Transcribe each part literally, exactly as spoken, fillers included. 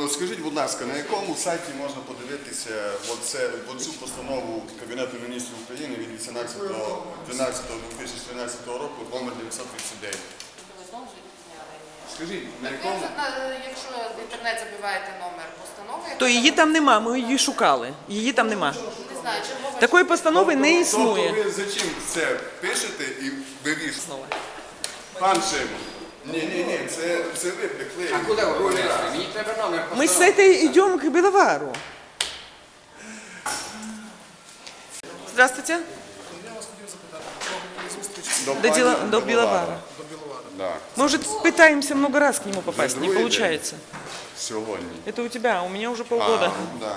От скажіть, будь ласка, на якому сайті можна подивитися оце, оцю постанову Кабінету міністрів України від вісімнадцятого дванадцятого дві тисячі тринадцятого року номер дев'ятсот тридцять дев'ять? Скажіть, на якому? Якщо в інтернет забиваєте номер постанови, То її там нема, ми її шукали. Її там нема. не знаю, чергова Такої постанови не Тобто існує. ви зачем це пишете і вирішуєте? Пан Шимон. Ні, ні, ні, це, це ви приклеїли. А куди ви понесли? Мені треба номер Мы с постанови. этой идем к Беловару. Здравствуйте. Я вас хотів запитати, про зустріч До До, пані дела, до Беловара. Беловара. до Біловара. Да. Мы уже пытаемся много раз к нему попасть, не другой получается. Сьогодні. Это у тебя, а у меня уже А, полгода. да.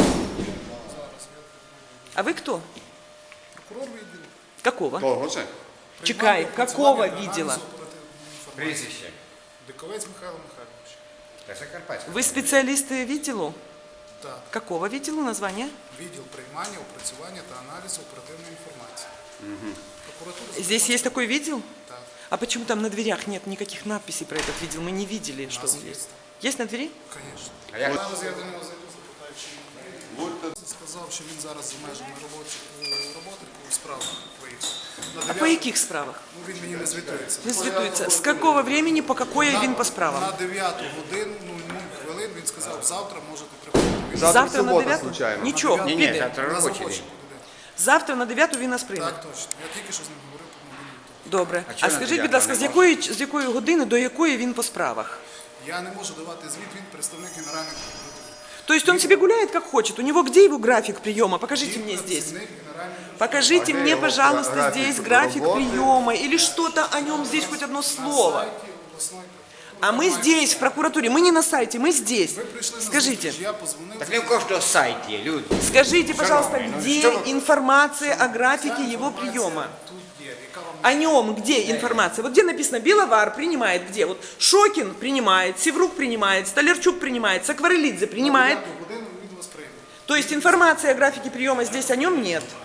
А вы кто? Прокурор відділу. Какого? Того же? Чекай, какого видела? Прізвище. Диковець Михайло Михайлович. Та Закарпатська. Вы специалисты виделу? Так. Какого виделу название? Відділ приймання, опрацювання та аналізу оперативної інформації. Прокуратура Здесь есть такой видел? Так. А почему там на дверях нет никаких надписей про этот видел? Мы не видели, что нас он есть. есть. Есть на двери? Звісно. А як? Зараз я до нього зайду, запитаю, чи він сказав, що він зараз за межами робочі, роботи по справах виїхав. На А по дев'яту- яких справах? Ну, він мені не звітується. Не звітується. З какого времени, по какое він по На справам? дев'яту годину, ну, нуль хвилин, він сказав, завтра можете приходити. Він Завтра Завтра на субота, дев'яту? случайно. Нічого, Ні, ні, піде. завтра на робочий заході день. буде. Завтра на дев'яту він нас прийме. Так, точно. Я тільки що з ним говорив по мобільному. Добре. А А, чого на скажіть, дев'яту будь ласка, не з якої, з якої години до якої він по справах? Я не можу давати звіт, він представник Генеральної прокуратури. То есть он себе гуляет как хочет? У него где его график приема? Покажите мне Він здесь. працівник Генеральної прокуратури. Покажите А где мне, его пожалуйста, график здесь график работы? приема или что-то о нем здесь, хоть одно На слово. сайті обласної прокуратури. А мы здесь, в прокуратуре, мы не на сайте, мы здесь. Ви прийшли на Скажите, зустріч, я позвонив. Так не в кожного сайт є, люди. скажите, пожалуйста, Шановні, ну где що ви- информация о графике его Інформація приема? Тут є, яка вам О нем где информация? Вот где написано Беловар принимает, где? Вот Шокин принимает, Севрук принимает, Столярчук принимает, Сакварелидзе принимает. дев'яту годину він вас прийме. То есть информации о графике приема здесь о нем нет.